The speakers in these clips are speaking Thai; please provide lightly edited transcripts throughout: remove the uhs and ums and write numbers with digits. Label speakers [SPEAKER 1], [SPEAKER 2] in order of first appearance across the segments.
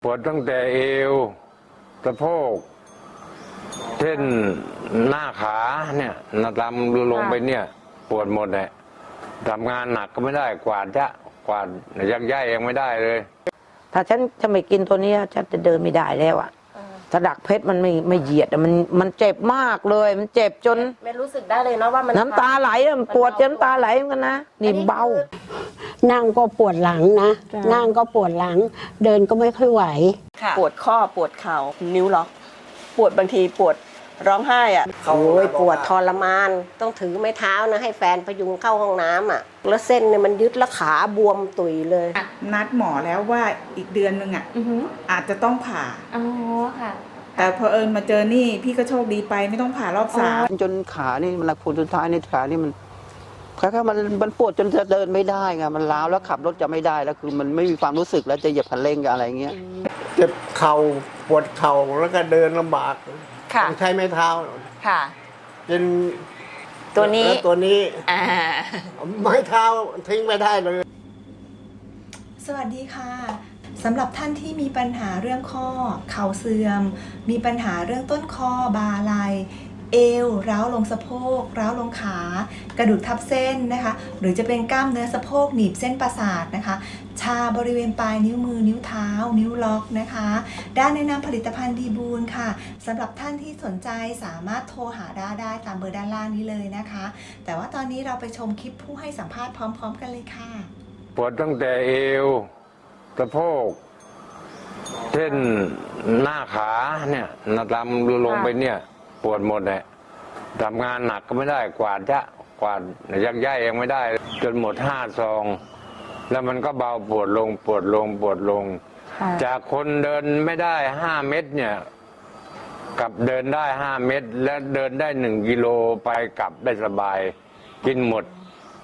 [SPEAKER 1] ปวดตั้งแต่เอวสะโพกเช่นหน้าขาเนี่ยลำลงไปเนี่ยปวดหมดเลยทำงานหนักก็ไม่ได้กวาดยักย้ายยังไม่ได้เลย
[SPEAKER 2] ถ้าฉันจะไม่กินตัวนี้ฉันจะเดินไม่ได้แล้วอ่ะถ้าดักเพชรมันไม่เหยียดมันเจ็บมากเลยมันเจ็บจน
[SPEAKER 3] ไม่รู้สึกได้เลยเนาะว่ามัน
[SPEAKER 2] น้ำตาไหลมันปวดจนน้ำตาไหลเหมือนกันนะนี่เบา
[SPEAKER 4] นั่งก็ปวดหลังนะนั่งก็ปวดหลังเดินก็ไม่ค่อยไหว
[SPEAKER 3] ปวดข้อปวดเข่านิ้วล็อกปวดบางทีปวดร้องไห้อ่ะ
[SPEAKER 4] โอ้ยปวดทรมานต้องถือไม้เท้านะให้แฟนพยุงเข้าห้องน้ำอ่ะแล้วเส้นเนี่ยมันยึดแล้วขาบวมตุยเลย
[SPEAKER 5] นัดหมอแล้วว่าอีกเดือนนึงอ่ะอาจจะต้องผ่า
[SPEAKER 3] อ๋อค่ะ
[SPEAKER 5] แต่พอมาเจอนี่พี่ก็โชคดีไปไม่ต้องผ่ารอบ3
[SPEAKER 6] จนขานี่มันผลสุดท้ายในขานี่มันแค่มันปวดจนจะเดินไม่ได้ไงมันล้าวแล้วขับรถจะไม่ได้แล้วคือมันไม่มีความรู้สึกแล้วจะเหยียบคันเร่งอะไรเงี้ย
[SPEAKER 7] เจ็บเข่าปวดเข่าแล้วก็เดินลำบากต้องใช้ไม้เท้า
[SPEAKER 3] ค่ะ
[SPEAKER 7] เป็น
[SPEAKER 3] ตัวนี้
[SPEAKER 7] ไม้เท้าทิ้งไม่ได้เลย
[SPEAKER 8] สวัสดีค่ะสำหรับท่านที่มีปัญหาเรื่องข้อเข่าเสื่อมมีปัญหาเรื่องต้นคอบ่าไหล่เอวร้าวลงสะโพกร้าวลงขากระดูกทับเส้นนะคะหรือจะเป็นกล้ามเนื้อสะโพกหนีบเส้นประสาทนะคะชาบริเวณปลายนิ้วมือนิ้วเท้านิ้วล็อกนะคะด้านแนะนำผลิตภัณฑ์ดีบูลค่ะสำหรับท่านที่สนใจสามารถโทรหาได้ตามเบอร์ด้านล่างนี้เลยนะคะแต่ว่าตอนนี้เราไปชมคลิปผู้ให้สัมภาษณ์พร้อมๆกันเลยค่ะ
[SPEAKER 1] ปวดตั้งแต่เอวสะโพกเช่นหน้าขาเนี่ยลำลงไปเนี่ยปวดหมดเลยทำงานหนักก็ไม่ได้กวาดยักย้ายยังไม่ได้จนหมด5 ซองแล้วมันก็เบาปวดลงจากคนเดินไม่ได้5 เมตรเนี่ยกับเดินได้5 เมตรและเดินได้1 กิโลไปกลับได้สบายกินหมด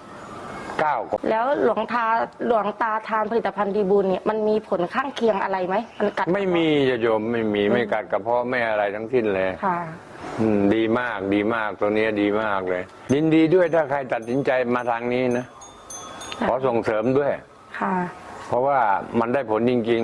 [SPEAKER 1] 9
[SPEAKER 2] แล้วหลวงตาทานผลิตภัณฑ์ดีบูลเนี่ยมันมีผลข้างเคียงอะไรไหมมันกัด
[SPEAKER 1] ไม่มีโยมไม่กัดกระเพาะไม่อะไรทั้งสิ้นเลย
[SPEAKER 2] ค่ะ
[SPEAKER 1] ดีมากตัวนี้ดีมากเลยยินดีด้วยถ้าใครตัดสินใจมาทางนี้นะขอส่งเสริมด้วย
[SPEAKER 2] ค่ะ
[SPEAKER 1] เพราะว่ามันได้ผลจริง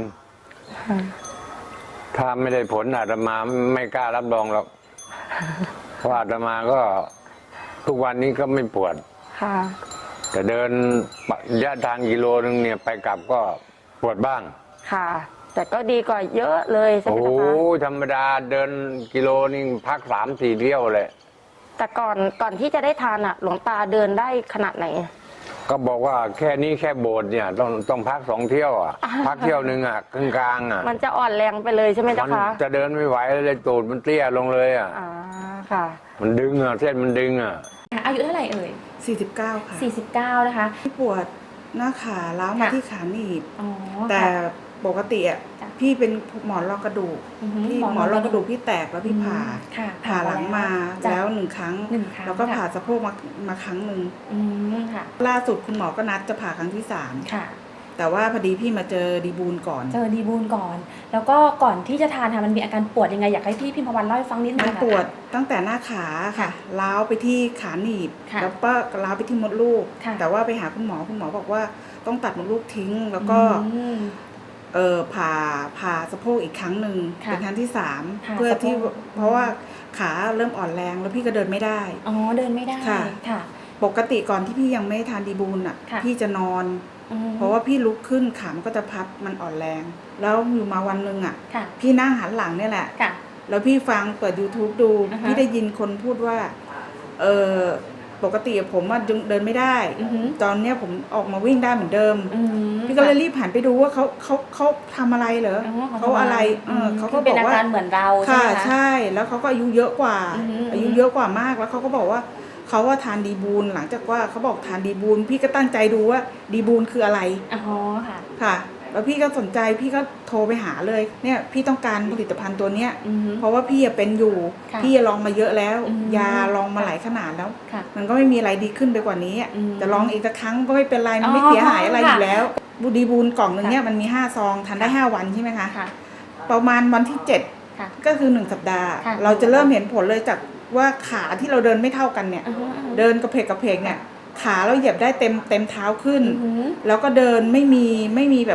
[SPEAKER 1] ๆถ้าไม่ได้ผลอาตมาไม่กล้ารับรองหรอกเพราะอาตมาก็ทุกวันนี้ก็ไม่ปวด
[SPEAKER 2] ค่ะ
[SPEAKER 1] แต่เดินระยะทางกิโลนึงเนี่ยไปกลับก็ปวดบ้าง
[SPEAKER 2] ค่ะแต่ก็ดีกว่าเยอะเลยใช่ไหมคะ
[SPEAKER 1] โอ้ธรรมดาเดินกิโลนึงพัก3-4 เที่ยวเลย
[SPEAKER 2] แต่ก่อนที่จะได้ทานอ่ะหลวงตาเดินได้ขนาดไหน
[SPEAKER 1] ก็บอกว่าแค่โบสถ์เนี่ยต้องพัก2 เที่ยวอ่ะพักเที่ยวนึงอ่ะกลางอ่ะ
[SPEAKER 2] มันจะอ่อนแรงไปเลยใช่ไหมเจ้าคะ
[SPEAKER 1] จะเดินไม่ไหวเลยตูดมันเตี้ยลงเลยอ่ะ
[SPEAKER 2] ค่ะ
[SPEAKER 1] มันดึงอ่ะเส้นมันดึงอ่ะ
[SPEAKER 3] อายุเท่าไหร่เอ่ย
[SPEAKER 5] 49ค่ะ
[SPEAKER 3] 49นะคะ
[SPEAKER 5] ปวดหน้าขาล้าวมาที่ขาหนีบแต่ปกติอ่ะพี่เป็นหมอนรองกระดูกพี่หมอนรองกระดูกพี่แตกแล้วพี่ผ่าหลังมาแล้ว1 ครั้งแล้วก็ผ่าสะโพกมาครั้งหนึ่งล่าสุดคุณหมอก็นัดจะผ่าครั้งที่3
[SPEAKER 3] ค่ะ
[SPEAKER 5] แต่ว่าพอดีพี่มาเจอดีบูลก่อน
[SPEAKER 3] แล้วก็ก่อนที่จะทานค่ะมันมีอาการปวดยังไงอยากให้พี่พิมพวันเล่าให้ฟังนิดนึง
[SPEAKER 5] มันปวดตั้งแต่หน้าขาค่ะล้าวไปที่ขาหนีบแล้วก็ล้าวไปที่มดลูกแต่ว่าไปหาคุณหมอบอกว่าต้องตัดมดลูกทิ้งแล้วก็ผ่าสะโพกอีกครั้งหนึ่งเป็นครั้งที่3เพื่อที่เพราะว่าขาเริ่มอ่อนแรงแล้วพี่ก็เดินไม่ได้
[SPEAKER 3] เดินไม่ได้
[SPEAKER 5] ค่ะปกติก่อนที่พี่ยังไม่ทานดีบูลอ่ะพี่จะนอนเพราะว่าพี่ลุกขึ้นขามันก็จะพับมันอ่อนแรงแล้วอยู่มาวันหนึ่งอ่ะพี่นั่งหันหลังเนี่ยแหละแล้วพี่ฟังเปิด YouTube ดูพี่ได้ยินคนพูดว่าปกติผมว่าเดินไม่ได้ตอนเนี้ยผมออกมาวิ่งได้เหมือนเดิมพี่ก็เลยรีบหันไปดูว่าเขาทำอะไรเหรอเขาอะไรเขาก็บอกว่า
[SPEAKER 3] เป็นอาการเหมือนเราใช่
[SPEAKER 5] ไหม
[SPEAKER 3] คะ
[SPEAKER 5] ใช่แล้วเขาก็อายุเยอะกว่ามากแล้วเขาก็บอกว่าเขาว่าทานดีบูลหลังจากว่าเขาบอกทานดีบูลพี่ก็ตั้งใจดูว่าดีบูลคืออะไรค่ะแล้วพี่ก็สนใจพี่ก็โทรไปหาเลยเนี่ยพี่ต้องการผลิตภัณฑ์ตัวเนี้ยเพราะว่าพี่เป็นอยู่พี่ลองมาเยอะแล้วยาลองมาหลายขนาดแล้วมันก็ไม่มีอะไรดีขึ้นไปกว่านี้แต่ลองอีกสักครั้งก็ไม่เป็นไรมันไม่เสียหายอะไรอยู่แล้วดีบูลกล่องนึงเนี่ยมันมี5 ซองทานได้5 วันใช่ไหมคะประมาณวันที่7ก็คือ1 สัปดาห์เราจะเริ่มเห็นผลเลยจากว่าขาที่เราเดินไม่เท่ากันเนี่ยเดินกระเพกเนี่ยขาเราเหยียบได้เต็มเท้าขึ้นแล้วก็เดินไม่มีแบบ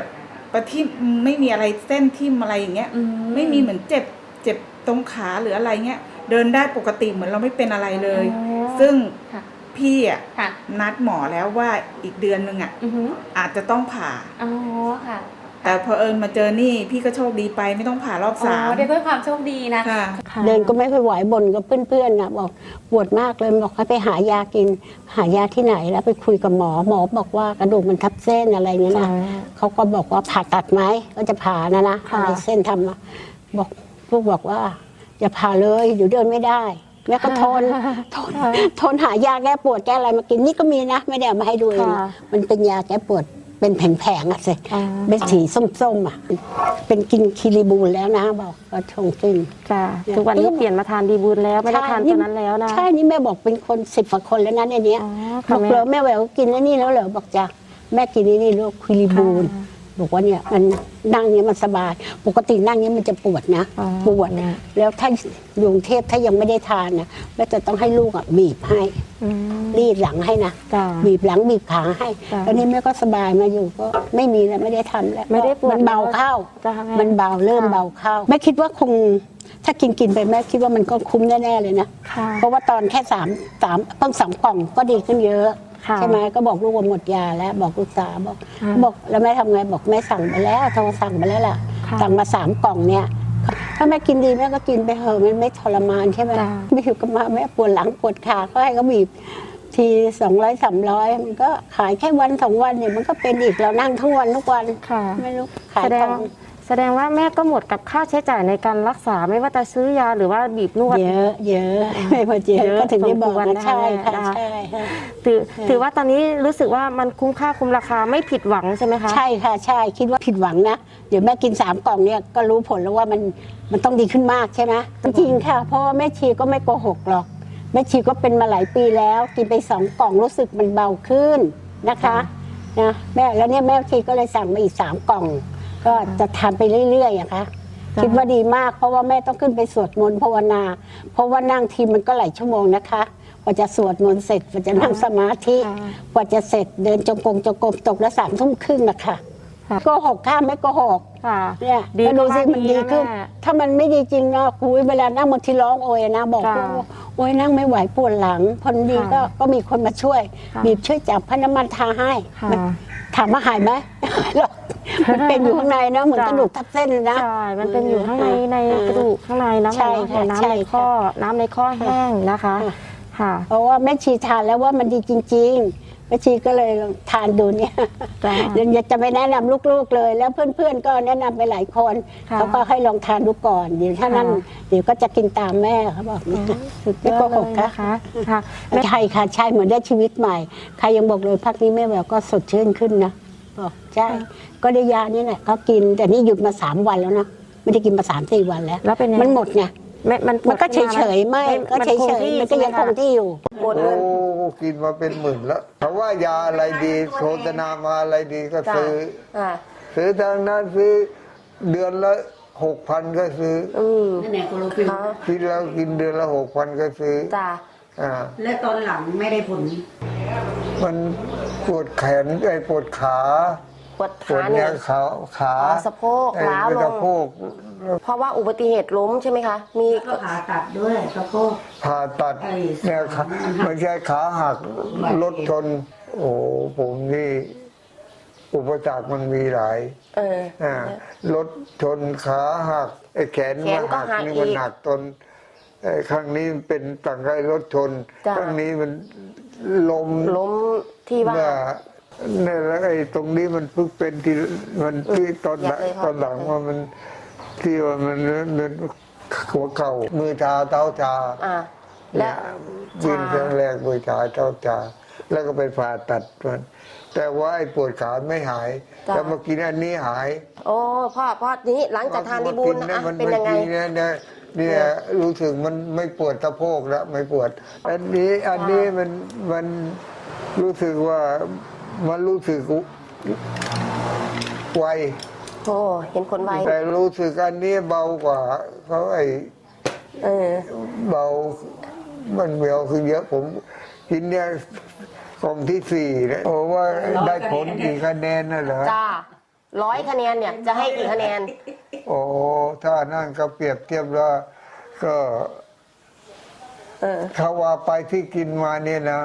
[SPEAKER 5] ประทิ่มไม่มีอะไรเส้นทิ่มอะไรอย่างเงี้ยไม่มีเหมือนเจ็บตรงขาหรืออะไรเงี้ยเดินได้ปกติเหมือนเราไม่เป็นอะไรเลย ซึ่งพี่อ่ะนัดหมอแล้วว่าอีกเดือนนึงอ่ะอาจจะต้องผ่าแต่พอเอิญมาเจอนี่พี่ก็โชคดีไปไม่ต้องผ่ารอบสาม
[SPEAKER 9] ได้ด้วยความโชคดีนะ
[SPEAKER 5] ค่ะ
[SPEAKER 4] เดินก็ไม่ค่อยไหวบ่นกับเพื่อนๆนะบอกปวดมากเลยบอกให้ไปหายากิน หายาที่ไหนแล้วไปคุยกับหมอบอกว่ากระดูกมันทับเส้นอะไรเงี้ยนะเขาก็บอกว่าผ่าตัดไหมก็จะผ่านะอะไรเส้นทำอะบอกลูกบอกว่าอย่าผ่าเลยเดี๋ยวเดินไม่ได้แม่ก็ทนหายาแก้ปวดแก้อะไรมากินนี่ก็มีนะไม่ได้เอามาให้ดูเองมันเป็นยาแก้ปวดเป็นแผงๆอะสิเป็นสีส้มๆอะเป็นกินคิริบูลแล้วนะบอกก็ชงกิน
[SPEAKER 9] ค่ะทุกวันนี้เปลี่ยนมาทานดีบูลแล้วไม่ได้ทานตัวนั้นแล้วนะ
[SPEAKER 4] ใช่นี่แม่บอกเป็นคน10 กว่าคนแล้วนะในเนี้ยบอกเหรอแม่แหววกินแล้วนี่แล้วเหรอบอกจ้ะแม่กินนี่ลูกคิริบูลบอกว่าเนี่ยมันนั่งเนี้ยมันสบายปกตินั่งเนี้ยมันจะปวดนะปวดแล้วถ้าอยู่กรุงเทพถ้ายังไม่ได้ทานนะแม่จะต้องให้ลูกอ่ะบีบให้รีดหลังให้นะบีบหลังบีบขาให้แล้วนี่แม่ก็สบายมาอยู่ก็ไม่มีแล้วไม่ได้ทำแล้ว
[SPEAKER 9] ไม่ได้ปวด
[SPEAKER 4] มันเบาเข้ามันเบาเริ่มเบาเข้าแม่คิดว่าคงถ้ากินไปแม่คิดว่ามันก็คุ้มแน่ๆเลยนะเพราะว่าตอนแค่3ต้อง3 กล่องก็ดีขึ้นเยอะใช่ไหมก็บอกลูกว่าหมดยาแล้วบอกลูกสาวบอกแล้วแม่ทำไงบอกแม่สั่งไปแล้วโทรสั่งไปแล้วล่ะสั่งมา3 กล่องเนี่ยถ้าแม่กินดีแม่ก็กินไปเถอะมันไม่ทรมานใช่ไหมไม่อยู่กับมาแม่ปวดหลังปวดขาก็ให้เขาบีบที200 300มันก็ขายแค่วัน2 วันเนี่ยมันก็เป็นอีกเรานั่งทั้งวันทุกวันไม่รู้ขายของ
[SPEAKER 9] แสดงว่าแม่ก็หมดกับค่าใช้จ่ายในการรักษาไม่ว่าจะซื้อยาหรือว่าบีบนวด
[SPEAKER 4] เยอะไม่พอเยอะก็ถึงได้บอกนะใช่ค่ะใช่
[SPEAKER 9] ถือว่าตอนนี้รู้สึกว่ามันคุ้มค่าคุ้มราคาไม่ผิดหวังใช่ไหมคะ
[SPEAKER 4] ใช่ค่ะใช่คิดว่าผิดหวังนะเดี๋ยวแม่กิน3 กล่องเนี่ยก็รู้ผลแล้วว่ามันต้องดีขึ้นมากใช่ไหมจริงค่ะเพราะแม่ชีก็ไม่โกหกหรอกแม่ชีก็เป็นมาหลายปีแล้วกินไป2 กล่องรู้สึกมันเบาขึ้นนะคะนะแม่แล้วเนี่ยแม่ชีก็เลยสั่งมาอีก3 กล่องก็จะทานไปเรื่อยๆอะค่ะคิดว่าดีมากเพราะว่าแม่ต้องขึ้นไปสวดมนต์ภาวนาเพราะว่านั่งทีมันก็หลายชั่วโมงนะคะกว่าจะสวดมนต์เสร็จกว่าจะนั่งสมาธิกว่าจะเสร็จเดินจงกรมตกละ3 ทุ่มครึ่งนะคะก็หกข้ามไม่ก็หกเนี่ยดูสิมันดีขึ้นถ้ามันไม่ดีจริงเนาะคุยเวลานั่งบางทีร้องโอยนะบอกโอยนั่งไม่ไหวปวดหลังพอดีก็มีคนมาช่วยบีบช่วยจับพน้ำมันทาให้ถามว่าหายไหมมันเป็นอยู่ข้างในนะเหมือนกระดูกทับเส้นนะ
[SPEAKER 9] ใช่มันเป็นอยู่ข้างในกระดูกข้างในน้ำในข้อน้ำในข้อแห้งนะคะ
[SPEAKER 4] เพราะว่าแม่ชีทานแล้วว่ามันดีจริงๆแม่ชีก็เลยทานดูเนี่ยเดี๋ยวจะไปแนะนำลูกๆเลยแล้วเพื่อนๆก็แนะนำไปหลายคนเขาก็ให้ลองทานดูก่อนเดี๋ยวถ้านั้นเดี๋ยวก็จะกินตามแม่เขาบอกไม่โกหกค่ะใช่ค่ะใช่เหมือนได้ชีวิตใหม่ใครยังบอกเลยพักนี้แม่แววก็สดชื่นขึ้นนะบอกใช่ก็ได้ยานี่แหละก็กินแต่นี่หยุดมา3 วันแล้วนะไม่ได้กินมา3-4 วันแล้วมันหมดไงมันก็เฉยๆไม่ก็เฉยๆมันก็ยังคงที่อยู่
[SPEAKER 7] หมดเลยกินมาเป็นหมื่นแล้วเพราะว่ายาอะไรดีโฆษณามาอะไรดีก็ซื้อทางนั้นซื้อเดือนละ 6,000 ก็ซื้อกินแล้วกินเดือนละ 6,000 ก็ซื้อ
[SPEAKER 4] และตอนหลังไม่ได้ผล
[SPEAKER 7] มันปวดแขนปวดขา
[SPEAKER 3] ปวดขาเนี่ย
[SPEAKER 7] ขา
[SPEAKER 3] สะโพกล้าวลงเพราะว่าอุบัติเหตุล้มใช่ไหมคะมี
[SPEAKER 4] ผ่าตัดด้วยสะโพก
[SPEAKER 7] ผ่าตัดเนี่ยไม่ใช่ขาหักรถชนโอ้ผมนี่อุปสรรคมันมีหลายรถชนขาหักแขนมันหักนี่มันหักจนครั้งนี้เป็นต่างกับรถชนครั้งนี้มันล้ม
[SPEAKER 3] ที่ว่า
[SPEAKER 7] เนี่ยแล้วตรงนี้มันเพิ่งเป็นที่มันที่ตอนหลังว่ามันที่ว่ามันหัวเข่ามือชาเท้าชา
[SPEAKER 3] และ
[SPEAKER 7] ยืนครั้งแรกมือชาเท้าชาแล้วก็ไปผ่าตัดมันแต่ว่าไอ้ปวดขาไม่หายแล้วมากินอันนี้หาย
[SPEAKER 3] โอ้พ่อนี้หลังจากทานดีบูลเป็นยังไง
[SPEAKER 7] เนี่ยรู้สึกมันไม่ปวดสะโพกแล้วไม่ปวดอันนี้มันรู้สึกว่ามันรู้สึกไว
[SPEAKER 3] เห็นผลไว
[SPEAKER 7] แต่รู้สึกอันนี้เบากว่าเขาเบามันเบาคือเยอะผมกินเนี่ยกล่องที่4นะโอ้ว่าได้ผลกี่คะแนนน่ะเหรอ
[SPEAKER 3] จ้า
[SPEAKER 9] 100 คะแนนเนี่ยจะให้กี่คะแนน
[SPEAKER 7] โอ้ถ้านั่นก็เปรียบเทียบแล้วก็เขาว่าไปที่กินมาเนี่ยนะ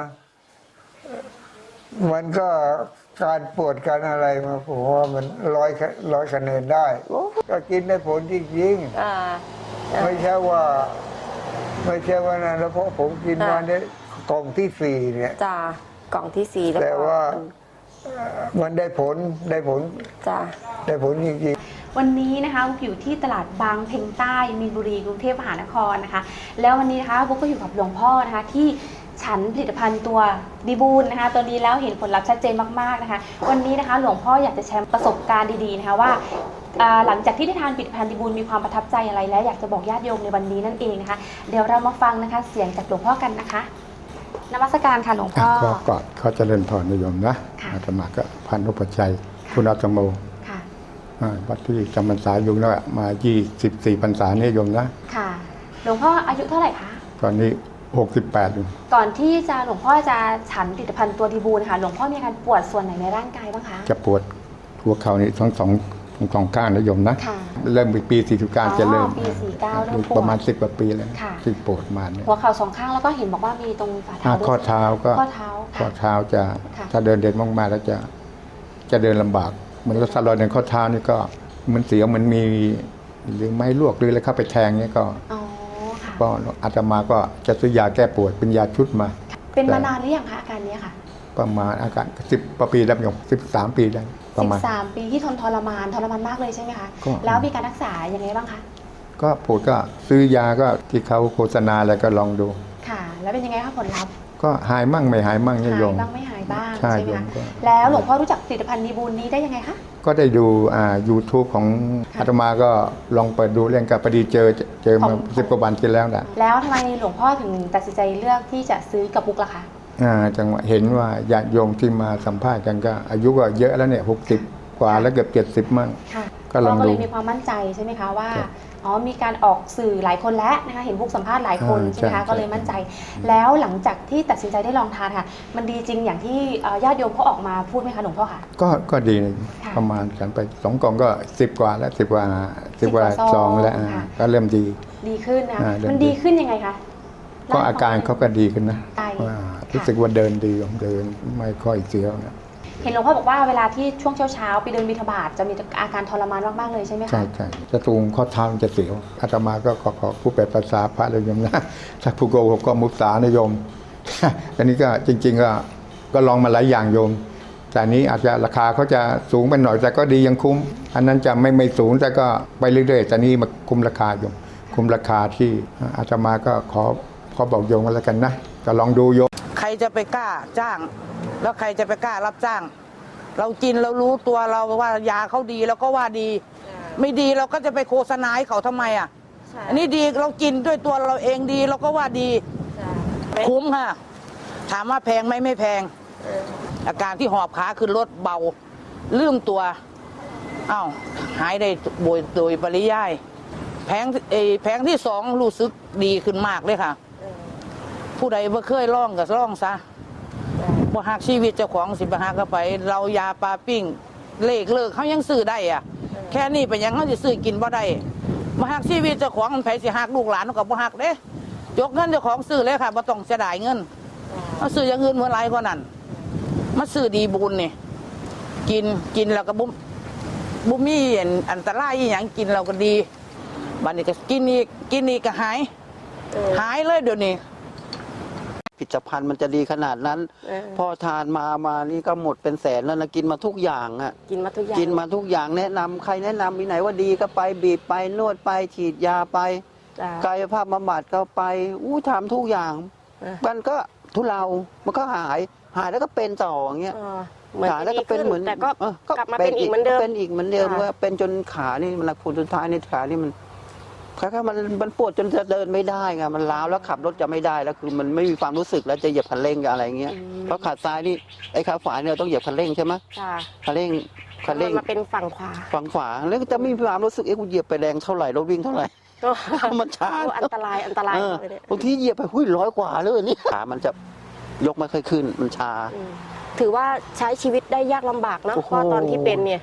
[SPEAKER 7] มันก็การปวดการอะไรมาผมว่ามันร้อยคะแนนได้ก็กินได้ผลจริงๆไม่ใช่ว่านะแล้วเพราะผมกินมาเนี่ยกล่องที่ 4เนี่ย
[SPEAKER 9] จ้ากล่องที่4แล้ว
[SPEAKER 7] แต่
[SPEAKER 9] ก็
[SPEAKER 7] ว่ามันได้ผล
[SPEAKER 9] จ้า
[SPEAKER 7] ได้ผลจริงๆ
[SPEAKER 10] วันนี้นะคะบุ๊กอยู่ที่ตลาดบางเพ็งใต้มีนบุรีกรุงเทพมหานครนะคะแล้ววันนี้นะคะบุ๊กก็อยู่กับหลวงพ่อนะคะที่ฉันผลิตภัณฑ์ตัวดีบูลนะคะตัวนี้แล้วเห็นผลลัพธ์ชัดเจนมากๆนะคะวันนี้นะคะหลวงพ่ออยากจะแชร์ประสบการณ์ดีๆนะคะว่าหลังจากที่ได้ทานผลิตภัณฑ์ดีบูลมีความประทับใจอะไรและอยากจะบอกญาติโยมในวันนี้นั่นเองนะคะเดี๋ยวเรามาฟังนะคะเสียงจากหลวงพ่อกันนะคะนมัสการค่ะหลวงพ่อ
[SPEAKER 11] ก็กอดเขาเจริญพรนิยมนะ
[SPEAKER 10] ค่ะ
[SPEAKER 11] อาตมาก็พันธุปชัยคุณอาตโม
[SPEAKER 10] ค่ะ
[SPEAKER 11] วัดที่จำพรรษาอยู่แล้วมา24พรรษานิยมนะ
[SPEAKER 10] ค่ะหลวงพ่ออายุเท่าไหร่คะ
[SPEAKER 11] ตอนนี้68อยู่
[SPEAKER 10] ก่อนที่จะหลวงพ่อจะฉันผลิตภัณฑ์ตัวดีบูลนะคะหลวงพ่อมีอาการปวดส่วนไหนในร่างกายบ้างคะ
[SPEAKER 11] จะปวดหัวเข่านี่ทั้งสองข้างนิยมนะ
[SPEAKER 10] ค่ะ
[SPEAKER 11] เริ่มปี49จะเริ่ม
[SPEAKER 10] ปี49เริ่มปวด
[SPEAKER 11] ประมาณ10 กว่าปีแล้ว
[SPEAKER 10] ค่ะ
[SPEAKER 11] ที่ปวดมาเนี่ย
[SPEAKER 10] หัวเข่า2 ข้างแล้วก็เห็นบอกว่ามีตรงฝ่าเท้าด้วย
[SPEAKER 11] ข้อเท้าก็
[SPEAKER 10] ข้อเท้า
[SPEAKER 11] ข้อ
[SPEAKER 10] ค่ะ
[SPEAKER 11] เท้าจะ
[SPEAKER 10] ค่ะ
[SPEAKER 11] ถ้าเดินมากๆแล้วจะเดินลำบากเหมือนรถสลอยในข้อเท้านี่ก็มันเสียวมันมีหรือไม้ลวกหรืออะไรเข้าไปแทงเนี่ยก็
[SPEAKER 10] อ๋อค่ะ
[SPEAKER 11] ก็อาตมาก็จะซื้อยาแก้ปวดเป็นยาชุดมา
[SPEAKER 10] เป็นมานานหรือยังคะอาการนี้ค่ะ
[SPEAKER 11] ประมาณอาการ10 ปีแล้วอย่าง13 ปีได้ประมาณ
[SPEAKER 10] 13 ปีที่ทรมานมากเลยใช่ไหมคะ
[SPEAKER 11] ก็
[SPEAKER 10] แล้วมีการรักษายังไงบ้างคะ
[SPEAKER 11] ก็ปวดก็ซื้อยาก็ที่เขาโฆษณาอะไรก็ลองดู
[SPEAKER 10] ค่ะ แล้วเป็นยังไงคะผลลัพธ์
[SPEAKER 11] ก็หายมั่งไม่หายมั่งเนี่ยโย
[SPEAKER 10] หาย
[SPEAKER 11] ม
[SPEAKER 10] บ้างไม่หายบ้าง
[SPEAKER 11] ใช่
[SPEAKER 10] ใช่ไหม
[SPEAKER 11] โยม
[SPEAKER 10] คะ
[SPEAKER 11] ก็
[SPEAKER 10] แล้วหลวงพ่อรู้จักผลิตภัณฑ์ดีบูลนี้ได้ยังไงคะ
[SPEAKER 11] ก็ได้ดูYouTube ของอาตมาก็ลองเปิดดูเรื่องกับพอดีเจอมา10 กว่าวันที่แล้วนะ
[SPEAKER 10] แล้วทำไมหลวงพ่อถึงตัดสินใจเลือกที่จะซื้อกับบุ๊กล่ะคะ
[SPEAKER 11] จังหวะเห็นว่าญาติโยมที่มาสัมภาษณ์กันก็อายุก็เยอะแล้วเนี่ย60 กว่าแล้วเกือบ70 มั่ง
[SPEAKER 10] ค่ะ
[SPEAKER 11] ก็ลองดู
[SPEAKER 10] เลยมีความมั่นใจใช่ไหมคะว่า
[SPEAKER 11] ครับ
[SPEAKER 10] อ๋อมีการออกสื่อหลายคนแล้วนะคะเห็นบุ๊กสัมภาษณ์หลายคน
[SPEAKER 11] อ่า
[SPEAKER 10] ใช่ไหมคะ
[SPEAKER 11] ใช่
[SPEAKER 10] ก็เลยมั่นใจ แล้วหลังจากที่ตัดสินใจได้ลองทานค่ะ มันดีจริงอย่างที่ญาติโยมเขาออกมาพูดไหมคะหลวงพ่อค่ะ
[SPEAKER 11] ก็ดีนะ
[SPEAKER 10] ค่ะ
[SPEAKER 11] ประมาณกันไป2 กล่องก็10 กว่าแล้ว10 กว่าซองแล้ว
[SPEAKER 10] ค่ะ
[SPEAKER 11] ก็เริ่มดี
[SPEAKER 10] ดีขึ้นนะคะ
[SPEAKER 11] เริ่ม
[SPEAKER 10] มันดีขึ้นยังไงคะ
[SPEAKER 11] ก็อาการเขาก็ดีขึ้นนะ
[SPEAKER 10] ใช่
[SPEAKER 11] ว่ารู้สึกว่าเดินดีเดินไม่ค่อยเสียวนะ
[SPEAKER 10] เห็นหลวงพ่อบอกว่าเวลาที่ช่วงเช้าๆไปเดินบิณฑบาตจะมีอาการทรมานมากๆเลยใช่ไหมคะ
[SPEAKER 11] ใช่จะตรงข้อเท้ามันจะเสียวอาตมาก็ขอผู้แปลภาษาพระเลยโยมนะถ้าผู้โกหกก็มุสานะโยม อันนี้ก็จริง ๆก็ลองมาหลายอย่างโยม แต่อันนี้อาจจะราคาเขาจะสูงไปหน่อยแต่ก็ดียังคุ้ม อันนั้นจะไม่สูงแต่ก็ไปเรื่อยๆแต่นี้มาคุ้มราคาโยมคุ้มราคาที่อาตมาก็ขอบอกโยมกันแล้วกันนะก็ลองดูโยม
[SPEAKER 2] ใครจะไปกล้าจ้าง แล้วใครจะไปกล้ารับจ้าง เรากินเรารู้ตัวเราว่ายาเขาดีเราก็ว่าดี ไม่ดีเราก็จะไปโฆษณาให้เขาทำไมอ่ะอันนี้ดีเรากินด้วยตัวเราเองดีเราก็ว่าดีคุ้มค่ะ ถามว่าแพงไหมไม่แพง อาการที่หอบขาขึ้นรถเบาลืมตัวอ้าวหายได้โดยปริยายแผงที่ 2รู้สึกดีขึ้นมากเลยค่ะ ผู้ใดบ่เคยลองก็ลองซะบ่หักชีวิตเจ้าของสิบ่หักก็ไป เรายาปลาปิ้งเลิกเขายังซื้อได้อ่ะ แค่นี้เป็นหยังเขาสิซื้อกินบ่ได้บ่หักชีวิตเจ้าของมันไผสิหักลูกหลานเขาก็บ่หักเด้ยกเงินเจ้าของซื้อเลยค่ะบ่ต้องเสียดายเงินเอาซื้ออย่างอื่นเมื่อไรกว่านั้นมาซื้อดีบุญนี่กินแล้วก็บ่มีอันตรายอีหยังกินเราก็ดีบัดนี้ก็กินอีกก็หายเลยเดี๋ยวนี้
[SPEAKER 6] ผลิตภัณฑ์มันจะดีขนาดนั้น พอทานมานี่ก็หมดเป็นแสนแล้วนะกินมาทุกอย่างอ่ะ
[SPEAKER 9] กินมาทุกอย่าง
[SPEAKER 6] กินมาทุกอย่างแนะนำใครแนะนำมีไหนว่าดีก็ไปบีบไปนวดไปฉีดยาไป
[SPEAKER 9] จ้ะ
[SPEAKER 6] กายภาพบำบัดก็ไปทำทุกอย่าง มันก็ทุเลามันก็หายแล้วก็เป็นต่ออย่างเงี้ย
[SPEAKER 9] เหมือน
[SPEAKER 6] หายแล้วก็เป็นเหมือน
[SPEAKER 9] แต่ก็
[SPEAKER 6] ก็
[SPEAKER 9] กลับมาเป็นอีกเหมือนเดิม
[SPEAKER 6] เป็นอีกเหมือนเดิม
[SPEAKER 9] ค่ะ
[SPEAKER 6] ว่าเป็นจนขานี่มันผลสุดท้ายในขานี่มันคล้ายๆมันปวดจนจะเดินไม่ได้ไงมันล้าวแล้วขับรถจะไม่ได้แล้วคือมันไม่มีความรู้สึกแล้วจะเหยียบคันเร่งกับอะไรเงี้ยเพราะขาซ้ายนี่ไอ้ขาขวาเนี่ยเราต้องเหยียบคันเร่งใช่ไหม
[SPEAKER 9] จ้ะ
[SPEAKER 6] คันเร่ง
[SPEAKER 9] มาเป็นฝั่งขวา
[SPEAKER 6] ฝั่งขวาแล้วก็จะไม่มีความรู้สึกกูเหยียบไปแรงเท่าไหร่รถวิ่งเท่าไหร่ มันช้า
[SPEAKER 9] อันตรายเลยเนี่ย
[SPEAKER 6] บางทีเหยียบไป100 กว่าเลยนี่ขามันจะยกไม่ค่อยขึ้นมันชา
[SPEAKER 9] ถือว่าใช้ชีวิตได้ยากลำบากเนอะ
[SPEAKER 6] โอ้โห
[SPEAKER 9] เพราะตอนที่เป็นเนี่ย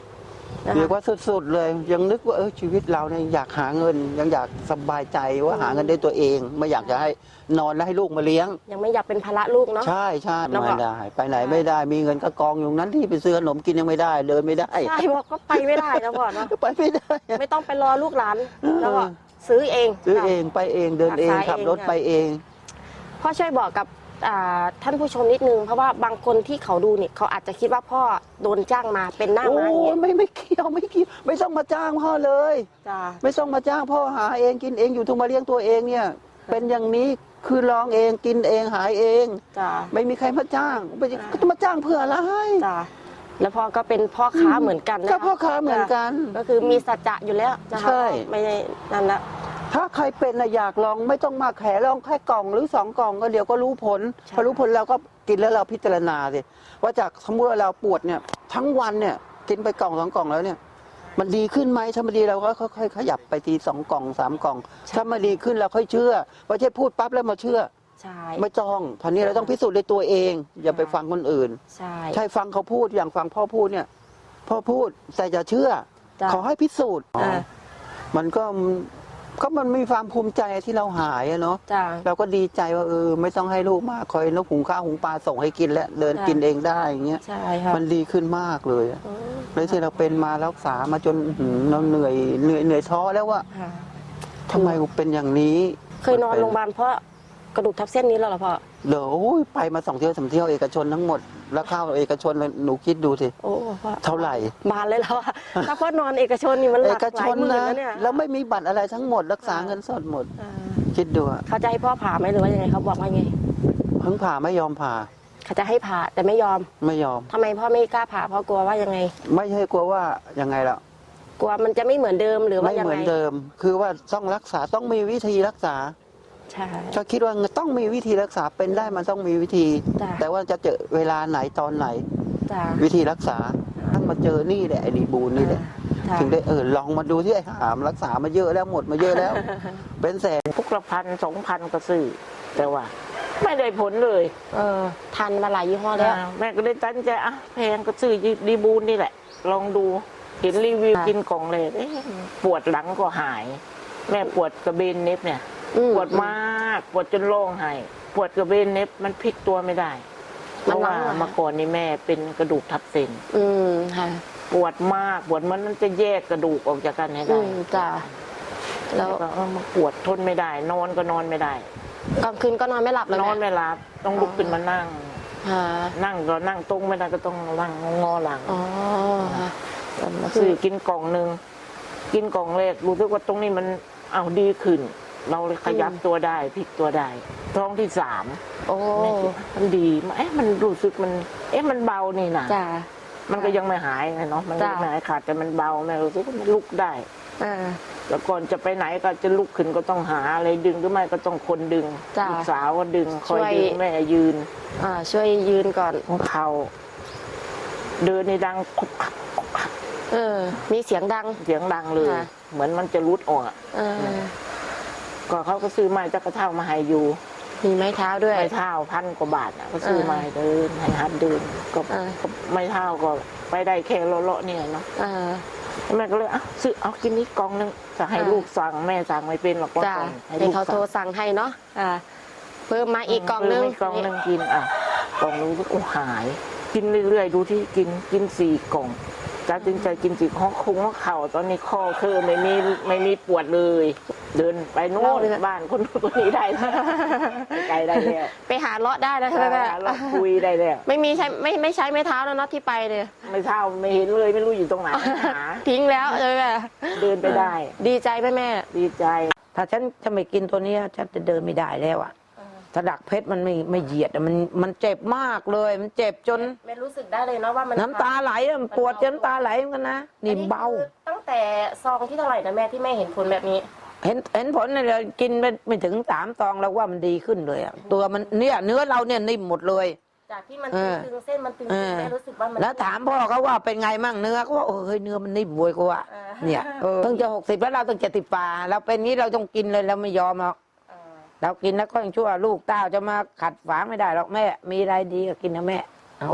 [SPEAKER 3] นะคะ
[SPEAKER 6] เรียกว่าสุดๆเลยยังนึกว่าชีวิตเราเนี่ยอยากหาเงินยังอยากสบายใจว่าหาเงินได้ตัวเองไม่อยากจะให้นอนแล้วให้ลูกมาเลี้ยง
[SPEAKER 3] ยังไม่อยากเป็นภาระลูกเนาะ
[SPEAKER 6] ใช่ใช่
[SPEAKER 3] แล้วก็
[SPEAKER 6] ไม่ได้ไปไหนไม่ได้มีเงินก็กองอยู่นั้นที่ไปซื้อขนมกินยังไม่ได้เดินไม่ได้
[SPEAKER 3] ใช่บอกก็ไปไม่ได้นะพ่อเนาะ
[SPEAKER 6] ไปไม่ได้
[SPEAKER 3] ไม่ต้องไปรอลูกหลานแล้วก็ซื้อเอง
[SPEAKER 6] ซื้อเองไปเองเดินเอง
[SPEAKER 3] รักษา
[SPEAKER 6] ขับรถ
[SPEAKER 3] เอง
[SPEAKER 6] ไปเอง
[SPEAKER 3] พ่อช่วยบอกกับท่านผู้ชมนิดนึงเพราะว่าบางคนที่เขาดูเนี่ยเขาอาจจะคิดว่าพ่อโดนจ้างมาเป็นหน้า
[SPEAKER 6] โอ้
[SPEAKER 3] ม้าอย่างเงี้ย
[SPEAKER 6] ไม่เกี่ยวไม่ต้องมาจ้างพ่อเลย
[SPEAKER 3] จ้า
[SPEAKER 6] ไม่ต้องมาจ้างพ่อหาเองกินเองอยู่ทุกมาเลี้ยงตัวเองเนี่ย เป็นอย่างนี้คือลองเองกินเองหายเอง
[SPEAKER 3] จ้า
[SPEAKER 6] ไม่มีใครมาจ้างก็จะมาจ้างเพื่ออะไร
[SPEAKER 3] จ้าแล้วพ่อก็เป็นพ่อค้าเหมือนกันนะ
[SPEAKER 6] ก็พ่อค้าเหมือนกัน
[SPEAKER 3] ก็คือมีสัจจะอยู่แล้วนะคะ
[SPEAKER 6] ใช่
[SPEAKER 3] ไม่ได้นั่นละ
[SPEAKER 6] ถ้าใครเป็นน่ะอยากลองไม่ต้องมาแขลองแค่กล่องหรือ2 กล่องก็เดี๋ยวก็รู้ผล
[SPEAKER 3] ใช่
[SPEAKER 6] พอรู้ผลเราก็กินแล้วเราพิจารณาสิว่าจากสมมติว่าเราปวดเนี่ยทั้งวันเนี่ยกินไปกล่อง2 กล่องแล้วเนี่ยมันดีขึ้นไหมถ้ามันดีเราก็ค่อยๆขยับไปที2 กล่อง3 กล่อง ถ้ามันดีขึ้นเราค่อยเชื่อไม่ใช่พูดปั๊บแล้วมาเชื่อ
[SPEAKER 3] ใช่
[SPEAKER 6] ไม่ต้องทีนี้เราต้องพิสูจน์ด้วยตัวเอง อย่าไปฟังคนอื่น
[SPEAKER 3] ใช่
[SPEAKER 6] ใช่ฟังเขาพูดอย่างฟังพ่อพูดเนี่ยพ่อพูดแต่อย่าเชื่อ
[SPEAKER 3] จ้ะ
[SPEAKER 6] ขอให้พิสูจน์
[SPEAKER 3] อ่า
[SPEAKER 6] มันก็มันมีความภูมิใจที่เราหายอะเนาะ
[SPEAKER 3] จ้า
[SPEAKER 6] เราก็ดีใจว่าไม่ต้องให้ลูกมากคอยนกหุงข้าวหุงปลาส่งให้กินแล้วเดิน
[SPEAKER 3] จ้ะ
[SPEAKER 6] กินเองได้อย่างเงี้ย
[SPEAKER 3] ใช่ค่ะ
[SPEAKER 6] มันดีขึ้นมากเลยอะเลยที่เราเป็นมารักษามาจนเราเหนื่อยท้อแล้วว่า
[SPEAKER 3] ค่ะ
[SPEAKER 6] ทำไมกูเป็นอย่างนี้
[SPEAKER 3] เคยนอนโรงพยาบาลเพราะกระดูกทับเส้นนี้แล้วเหรอพ่อ
[SPEAKER 6] เดี๋ยวไปมา2 เที่ยว3 เที่ยวเอกชนทั้งหมดแล้วเข้าเอกชนเลยหนูคิดดูสิ
[SPEAKER 3] โอ้พ่อ
[SPEAKER 6] เท่าไหร่
[SPEAKER 3] บานเลยแล้วอะถ้าพ่อนอนเอกชนนี่มันห
[SPEAKER 6] เอ
[SPEAKER 3] ลัก
[SPEAKER 6] ก
[SPEAKER 3] ห
[SPEAKER 6] ช
[SPEAKER 3] ลาย
[SPEAKER 6] น
[SPEAKER 3] หมื่น
[SPEAKER 6] นะ
[SPEAKER 3] แล้วเนี่ย
[SPEAKER 6] แล้วไม่มีบัตรอะไรทั้งหมดรักษาเงินสดหมด
[SPEAKER 3] อ่า
[SPEAKER 6] คิดดูอะ
[SPEAKER 3] เขาจะให้พ่อผ่าไหมหรือว่ายังไงเขาบอกว่าไง
[SPEAKER 6] เพิ่งผ่าไม่ยอมผ่า
[SPEAKER 3] เขาจะให้ผ่าแต่ไม่ยอม
[SPEAKER 6] ไม่ยอม
[SPEAKER 3] ทำไมพ่อไม่กล้าผ่าเพราะกลัวว่ายังไง
[SPEAKER 6] ไม่ใช่กลัวว่ายังไงล่ะ
[SPEAKER 3] กลัวมันจะไม่เหมือนเดิมหรือว่า
[SPEAKER 6] ไม่
[SPEAKER 3] ยัง
[SPEAKER 6] เหมื
[SPEAKER 3] ไง
[SPEAKER 6] อนเดิม คือว่าต้องรักษาต้องมีวิธีรักษา
[SPEAKER 3] ใช่
[SPEAKER 6] ก็คิดว่าต้องมีวิธีรักษาเป็นได้มันต้องมีวิธี
[SPEAKER 3] จ้ะ
[SPEAKER 6] แต่ว่าจะเจอเวลาไหนตอนไหน
[SPEAKER 3] จ้า
[SPEAKER 6] วิธีรักษาทั้งมาเจอนี่แหละไอ้ดีบูนนี่แหละ
[SPEAKER 3] จ้ะ
[SPEAKER 6] ถึงได้ลองมาดูที่ไอ้หามรักษามาเยอะแล้วหมดมาเยอะแล้ว เป็นแสน
[SPEAKER 12] พวกละ1,000 2,000ก็ซื้อแต่ว่า ไม่ได้ผลเลย
[SPEAKER 3] ทันมาหลายยี่ห้อแล้ว
[SPEAKER 12] แม่ก็เลยตั้งใจแพงก็ซื้อดีบูนนี่แหละ ลองดูเห็นรีวิว
[SPEAKER 3] ค่ะ
[SPEAKER 12] กินกล่องเลยปวดหลังก็หาย แม่ปวดกระเบนเน็บเนี่ย ปวดมากปวดจนร้องไห้ปวดกระเบนเน็บมันพลิกตัวไม่ได้เพราะว่าเมื่อก่อนนี่แม่เป็นกระดูกทับเส้น
[SPEAKER 3] ค่ะ
[SPEAKER 12] ปวดมากปวดมันจะแยกกระดูกออกจากกันให้ได้
[SPEAKER 3] จ้าแล้
[SPEAKER 12] แล้ว วก็มาปวดทนไม่ได้ นอนก็นอนไม่ได้
[SPEAKER 3] กลางคืนก็นอนไม่หลับเลย
[SPEAKER 12] นอนไม่หลับต้องลุกขึ้นมานั่ง นั่งก็นั่งตรงไม่ได้ก็ต้องนั่งงอหลัง
[SPEAKER 3] อ๋อค่ะ
[SPEAKER 12] มาซื้อกินกล่องหนึ่งกินกล่องแรกรู้สึกว่าตรงนี้มันเอาดีขึ้น เราเลยขยับตัวได้พลิกตัวได้ท้องที่ 3
[SPEAKER 3] โอ้
[SPEAKER 12] แม่คิดมันดีมันรู้สึกมันมันเบานี่นะ
[SPEAKER 3] จ้า
[SPEAKER 12] มันก็ยังไม่หายไงเนาะมันก็
[SPEAKER 3] จ้ะ
[SPEAKER 12] ไม่หายขาดแต่มันเบาแม่รู้สึกว่ามันลุกได้ แล้วก่อนจะไปไหนก็จะลุกขึ้นก็ต้องหาอะไรดึงหรือไม่ก็ต้องคนดึง
[SPEAKER 3] จ้ะ
[SPEAKER 12] ลูกสาวก็ดึงคอย
[SPEAKER 3] ช่วย
[SPEAKER 12] ดึงแม่ยืน
[SPEAKER 3] ช่วยยืนก่อน
[SPEAKER 12] ของเขาเดินในดังคุกคักคุกคัก
[SPEAKER 3] มีเสียงดัง
[SPEAKER 12] เสียงดังเลย
[SPEAKER 3] ค่ะ
[SPEAKER 12] เหมือนมันจะรุดออกอะก็เขาก็ซื้อไม้จักระเท่ามาให้อยู่
[SPEAKER 3] มีไม้เท้าด้วย
[SPEAKER 12] ไม้เท้า1,000 กว่าบาทอะก็ซื้อมาให้เดินให้หัดเดินก็ไม้เท้าก็ไปได้แค่เลาะๆเนี่ยเนาะแม่ก็เลยซื้อเอากินนี้กล่องนึงจะให้ลูกสั่งแม่สั่งไม่เป็นหรอกว่า
[SPEAKER 3] จ้า
[SPEAKER 12] ก่อน
[SPEAKER 3] ให้เขาโทรสั่งให้เนาะเพิ่มมาอีกกล่องนึง
[SPEAKER 12] เพิ่มกล่องนึงกินกล่องนึงก็หาย กินเรื่อยๆดูที่กิน4 กล่องจ้าจึงใจกิน4ข้อคุ้งว่าเข่าตอนนี้ข้อคือไม่มีปวดเลย เดินไปโน่นบ้านคนนู้นคนนี้ได้แล้วไกลได้แล้ว
[SPEAKER 3] ไปหาเลาะได้แล้วใช่ไหมแม่
[SPEAKER 12] เราคุยได้แล้ว
[SPEAKER 3] ไม่ใช้ไม้เท้าแล้วเนาะที่ไปเนี่ย
[SPEAKER 12] ไม่เท่าไม่เห็นเลยไม่รู้อยู่ตรงไหนหา
[SPEAKER 3] ทิ้งแล้วใช่ไหม
[SPEAKER 12] เดินไปได้
[SPEAKER 3] ดีใจไหมแม่
[SPEAKER 12] ดีใจ
[SPEAKER 2] ถ้าฉันจะไม่กินตัวเนี้ยฉันจะเดินไม่ได้แล้วอ่ะถ้าดักเพชรมันไม่เหยียดอะมันเจ็บมากเลย มันเจ็บจน
[SPEAKER 3] ไม่รู้สึกได้เลยเนาะว่ามัน
[SPEAKER 2] น้ำตาไหลอะมันปวดจนน้ำตาไหลเหมือนกันนะนี่เบา
[SPEAKER 3] คือตั้งแต่ซองที่เท่าไหร่นะแม่ที่แม่เห็นผลแบบนี้
[SPEAKER 2] เห็นผลเนี่ยเรากินไม่ถึง3 ซองแล้วว่ามันดีขึ้นเลยอะตัวมันเนี่ยเนื้อเราเนี่ยนิ่มหมดเลย
[SPEAKER 3] จากที่มันตึงเส้นมันตึงแม่รู้สึกว่ามัน
[SPEAKER 2] แล้วถามพ่อเขาว่าเป็นไงมั่งเนื้อเขาว่าเฮ้ยเนื้อมันนิ่มบวยกว่าเนี่ยเพิ่งจะ60แล้วเราต้อง70 ป่าเราเป็นนี้เราต้องกินเลยเราไม่ยอมหรอกเรากินแล้วก็ยังชั่วลูกเต้าจะมาขัดฝางไม่ได้หรอกแม่มีอะไรดีก็กินนะแม่เอาอะ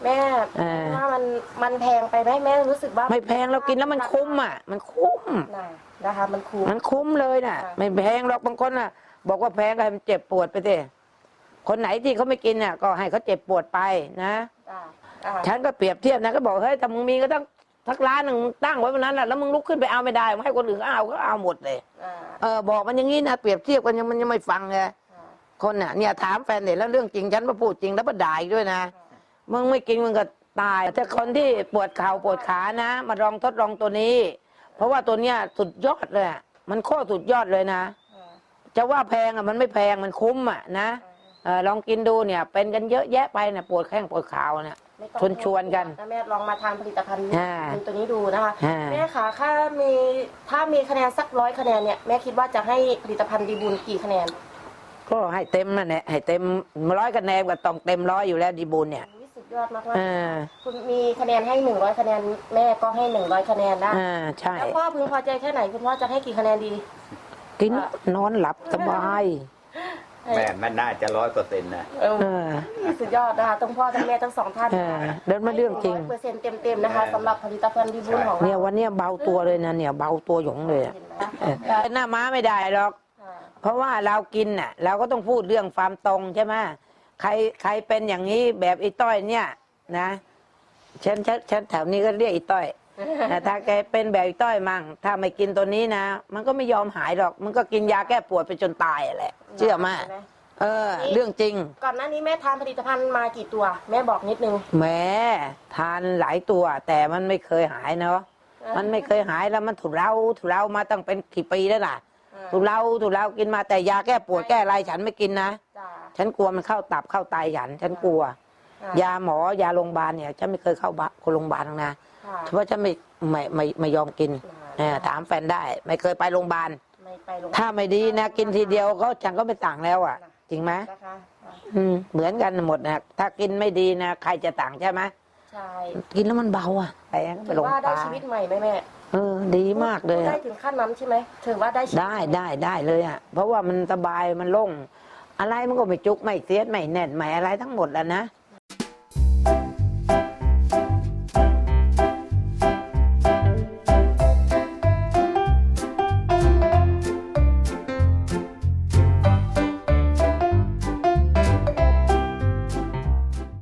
[SPEAKER 3] แม่ว่ามันแพงไปไหมแม่รู้สึกว่า
[SPEAKER 2] ไม่แพงเรากินแล้วมันคุ้มอ่ะ มันคุ้ม
[SPEAKER 3] นะคะมันคุ้ม
[SPEAKER 2] มันคุ้มเลยน่ะ ไม่แพงหรอกบางคนน่ะ บอกว่าแพงก็ให้มันเจ็บปวดไปสิคนไหนที่เขาไม่กินน่ะก็ให้เขาเจ็บปวดไปนะฉันก็เปรียบเทียบนะก็บอกเฮ้ยถ้ามึงมีก็ต้องสักร้านหนึ่งตั้งไว้วันนั้นน่ะแล้วมึงลุกขึ้นไปเอาไม่ได้มึงให้คนอื่นเขาเอาหมดเลยบอกมันอย่างนี้นะเปรียบเทียบกันมันยังไม่ฟังไงคนน่ะเนี่ยถามแฟนเนี่ยแล้วเรื่องจริงฉันมาพูดจริงแล้วมาด่าอีกด้วยนะมึงไม่กินมึงก็ตายแต่คนที่ปวดเข่าปวดขานะมาลองทดลองตัวนี้ เพราะว่าตัวเนี้ยสุดยอดเลยมันโคตรสุดยอดเลยนะจะว่าแพงอ่ะมันไม่แพงมันคุ้มอ่ะนะลองกินดูเนี่ยเป็นกันเยอะแยะไปเนี่ยปวดแข้งปวดขาเนี่ยชวนกัน
[SPEAKER 3] แม่ลองมาทานผลิตภัณฑ์ตัวนี้ดูนะคะแม่คะถ้ามีคะแนนสัก100 คะแนนเนี่ยแม่คิดว่าจะให้ผลิตภัณฑ์ดีบุญกี่คะแนน
[SPEAKER 2] ก็ให้เต็มนั่นแหละให้เต็ม100 คะแนนก็ต้องเต็ม100อยู่แล้วดีบุญเนี่ย
[SPEAKER 3] สุดยอดมากคุณมีคะแนนให้100 คะแนนแม่ก็ให้100 คะแนนได้
[SPEAKER 2] ใช่
[SPEAKER 3] แล้วพ่อพึงพอใจแค่ไหนคุณพ่อจะให้กี่คะแนนดี
[SPEAKER 2] กินนอนหลับสบาย
[SPEAKER 13] แม่มันน่าจะ100%นะ
[SPEAKER 3] สุดยอดนะคะทั้งพ่อทั้งแม่ทั้งสองท่าน
[SPEAKER 2] เดินมาเรื่องจริง
[SPEAKER 3] 100%เต็มนะคะสำหรับผลิตภัณฑ์ดีบุญของเรา
[SPEAKER 2] เนี่ยวันนี้เบาตัวเลยนะเนี่ยเบาตัวหยงเลยหน้าม้าไม่ได้หรอกเพราะว่าเรากินน่ะเราก็ต้องพูดเรื่องความตรงใช่ไหมใครเป็นอย่างนี้แบบอีต้อยเนี่ยนะฉันแถวนี้ก็เรียกอีต้อยถ้าแกเป็นแบบอีต้อยมั่งถ้าไม่กินตัวนี้นะมันก็ไม่ยอมหายหรอกมันก็กินยาแก้ปวดไปจนตายแหละเชื่อมาเรื่องจริง
[SPEAKER 3] ก่อนหน้านี้แม่ทานผลิตภัณฑ์มากี่ตัวแม่บอกนิดนึง
[SPEAKER 2] แม่ทานหลายตัวแต่มันไม่เคยหายเนาะมันไม่เคยหายแล้วมันถูกเรามาตั้งเป็นกี่ปีแล้วล่ะถูกเรากินมาแต่ยาแก้ปวดแก้อะไรฉันไม่กินนะฉันกลัวมันเข้าตับเข้าไตฉันกลัวยาหมอยาโรงพยาบาลเนี่ยฉันไม่เคยเข้าโรงพยาบาลนะเพราะฉันไม่ยอมกินถามแฟนได้ไม่เคยไปโรงพยาบาลถ้าไม่ดีนะกินทีเดียวก็ฉันก็ไม่ต่างแล้วอ่ะจริงไหมเหมือนกันหมดนะถ้ากินไม่ดีนะใครจะต่างใช่ไหม
[SPEAKER 3] ใช่
[SPEAKER 2] กินแล้วมันเบาอ่ะไปโรงพยาบาล
[SPEAKER 3] ว่าได้ชีวิตใหม่ไหมแม่
[SPEAKER 2] ดีมากเลย
[SPEAKER 3] ได้ถึงขั้นนั้นใช่ไหมถือว่า
[SPEAKER 2] ได้เลยอ่ะเพราะว่ามันสบายมันโล่งอะไรมันก็ไม่จุกไม่เสียดไม่แน่นไม่อะไรทั้งหมดแล้วนะ